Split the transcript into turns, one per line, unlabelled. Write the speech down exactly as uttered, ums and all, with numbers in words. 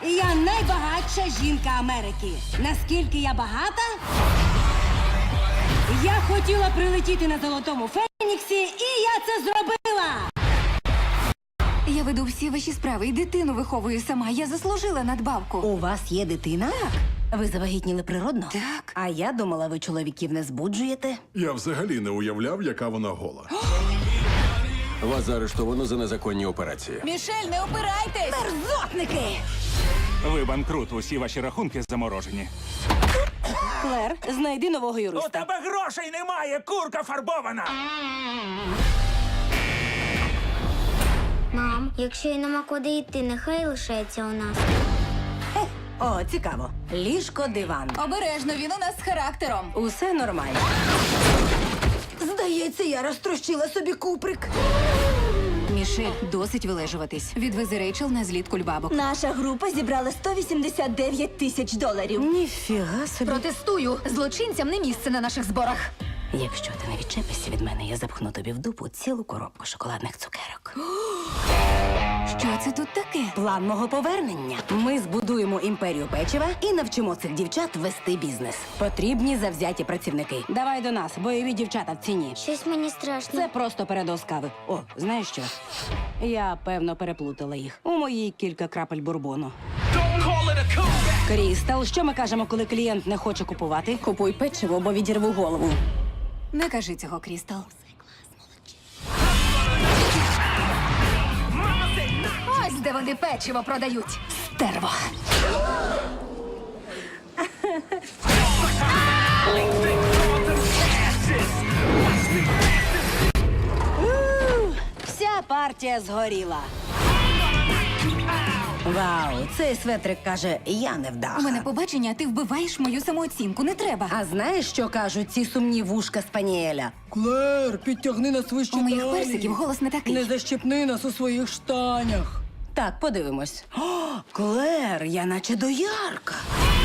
Я найбагатша жінка Америки. Наскільки я багата? Я хотіла прилетіти на Золотому Феніксі, і я це зробила!
Я веду всі ваші справи і дитину виховую сама. Я заслужила надбавку.
У вас є дитина? Так. Ви завагітніли природно?
Так.
А я думала, ви чоловіків не збуджуєте.
Я взагалі не уявляв, яка вона гола.
Вас заарештовано за незаконні операції.
Мішель, не опирайтесь!
Мерзотники!
Ви банкрут, усі ваші рахунки заморожені.
Клер, знайди нового
У
юриста.
тебе грошей немає, курка фарбована!
Мам, якщо й нема куди йти, нехай лишається у нас.
О, цікаво. Ліжко, диван.
Обережно, він у нас з характером.
Усе нормально. Здається, я розтрощила собі куприк.
Мішель, досить вилежуватись. Відвези Рейчел на зліт кульбабок.
Наша група зібрала сто вісімдесят дев'ять тисяч доларів.
Ніфіга собі.
Протестую! Злочинцям не місце на наших зборах.
Якщо ти не відчепишся від мене, я запхну тобі в дупу цілу коробку шоколадних цукерок.
Що це тут таке?
План мого повернення. Ми збудуємо імперію печива і навчимо цих дівчат вести бізнес. Потрібні завзяті працівники. Давай до нас, бойові дівчата в ціні.
Щось мені страшно.
Це просто передоз кави. О, знаєш що? Я, певно, переплутала їх. У моїй кілька крапель бурбону. Крістал, що ми кажемо, коли клієнт не хоче купувати? Купуй печиво, бо відірву голову.
Не кажи цього, Крістал. Ось де вони печиво продають.
Стерво. У, Вся партія згоріла. Вау, цей светрик каже, я не вдаха.
У мене побачення, а ти вбиваєш мою самооцінку. Не треба.
А знаєш, що кажуть ці сумні вушка Спаніеля? Клер, підтягни нас вище
У моїх
далі.
персиків голос не такий.
Не защепни нас у своїх штанях. Так, подивимось. О, Клер, я наче доярка.